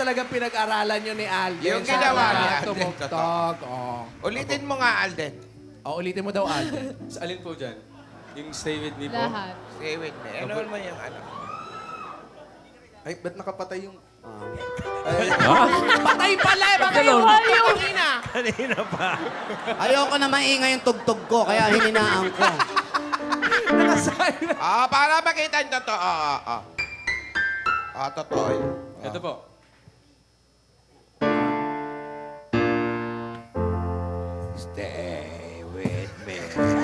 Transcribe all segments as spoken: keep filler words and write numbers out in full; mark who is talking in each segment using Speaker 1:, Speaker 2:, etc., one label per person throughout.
Speaker 1: talaga pinag-aralan nyo ni Alden.
Speaker 2: Yung ginawa ni Alden,
Speaker 1: Tumugtog. Oh.
Speaker 2: Ulitin mo nga, Alden.
Speaker 1: Oh, ulitin mo daw, Alden.
Speaker 3: Sa alin po dyan? Yung stay with me po?
Speaker 4: Lahat.
Speaker 2: Stay with me. Ano mo yung ano?
Speaker 3: Ay, ba't nakapatay yung...
Speaker 1: Patay pala eh! Patay yung kanina!
Speaker 5: Kanina pa.
Speaker 6: Ayoko na maingay yung tugtog ko, kaya hininaan ko.
Speaker 1: Nakasay na.
Speaker 2: Ah, para makita yung totoo. Ah, ah. Ah, totoo yun.
Speaker 3: Ito po.
Speaker 2: Stay with me.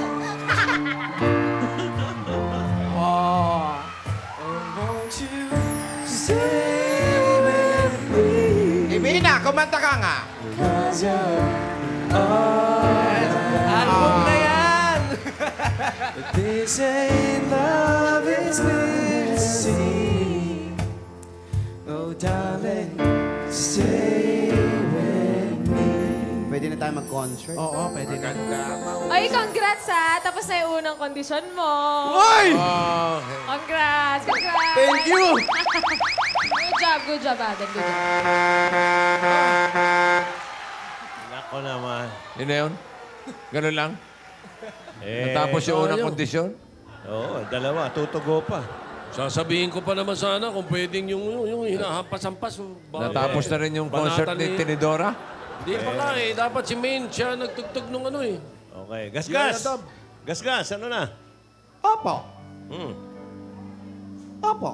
Speaker 1: Oh.
Speaker 2: Ibina, kumanta ka nga.
Speaker 1: Album na yan!
Speaker 3: They say love is missing. Oh, darling, stay with me.
Speaker 6: Pwede na tayo mag-concert.
Speaker 1: Oo, pwede na.
Speaker 4: Ay, congrats ha! Tapos na yung unang kondisyon mo.
Speaker 1: Hoy!
Speaker 4: Congrats! Congrats!
Speaker 1: Thank you!
Speaker 4: Good job, good job, Adam. Good job.
Speaker 5: Nako naman.
Speaker 7: Yun na yun? Ganun lang?
Speaker 5: Eh,
Speaker 7: Natapos yung unang kondisyon?
Speaker 5: Oo, dalawa. Tutugo pa.
Speaker 8: Sasabihin ko pa naman sana kung pwedeng yung, yung, yung hinahampas-hampas. Ba-
Speaker 7: Natapos na rin yung concert
Speaker 8: banatan
Speaker 7: ni Tinidora?
Speaker 8: Hindi pa nga eh. Dapat si Main siya nagtugtog nung ano eh.
Speaker 5: Okay. Gasgas!
Speaker 8: Yan, Adam.
Speaker 5: Gasgas, ano na?
Speaker 6: Opo.
Speaker 5: Hmm.
Speaker 6: Opo.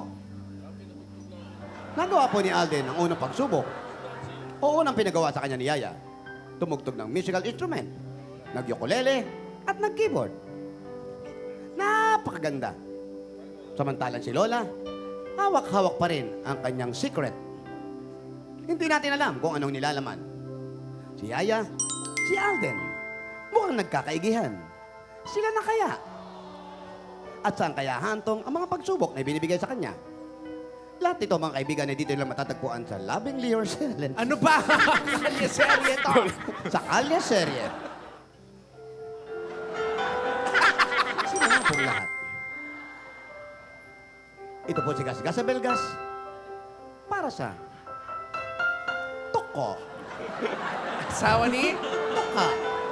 Speaker 6: Nagawa po ni Alden ang unang pagsubok. O unang pinagawa sa kanya ni Yaya. Tumugtog ng musical instrument, nag-ukulele, at nag-keyboard. Napakaganda. Samantalang si Lola, hawak-hawak pa rin ang kanyang secret. Hindi natin alam kung anong nilalaman. Si Yaya, si Alden, mukhang nagkakaigihan. Sila na kaya? At saan kaya hantong ang mga pagsubok na ibinibigay sa kanya? Lahat ito, mga kaibigan, ay dito lang matatagpuan sa Lovingly Yourself.
Speaker 1: Ano ba? Kalye serye to.
Speaker 6: Sa Kalye Serye. Sino nga pong lahat? Ito po si Gasgas sa Belgas. Para sa Toko.
Speaker 1: Asawa ni?
Speaker 6: Toka.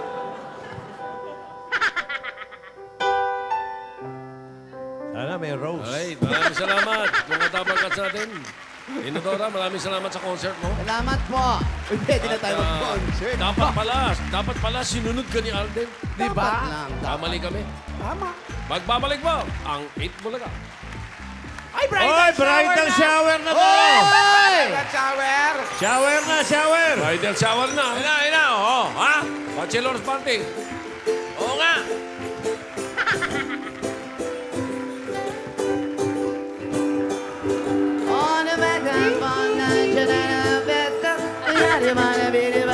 Speaker 5: Sana may rose.
Speaker 8: Ay, maraming salamat. Mga tabagat sa atin. Inodora, maraming salamat sa concert mo.
Speaker 6: Salamat po. Uy, pwede na tayo
Speaker 8: Ah,
Speaker 6: mag-concert.
Speaker 8: dapat pala, dapat pala sinunod ka ni Alden.
Speaker 1: Di
Speaker 6: Dapat
Speaker 1: ba?
Speaker 6: lang. dapat.
Speaker 8: Kamali kami.
Speaker 6: Tama.
Speaker 8: Magbabalik ba ang eight Bulaga?
Speaker 1: Ay, bridal
Speaker 5: Oy,
Speaker 1: shower
Speaker 5: bridal
Speaker 1: na!
Speaker 5: shower na to!
Speaker 6: Hoy!
Speaker 2: That shower.
Speaker 5: Shower na, shower!
Speaker 8: Bridal shower na.
Speaker 7: Ina, ina, oo. Ha?
Speaker 8: Bachelor's party.
Speaker 7: Oo nga.
Speaker 6: On the back of one night, you're not a better. You're not a better.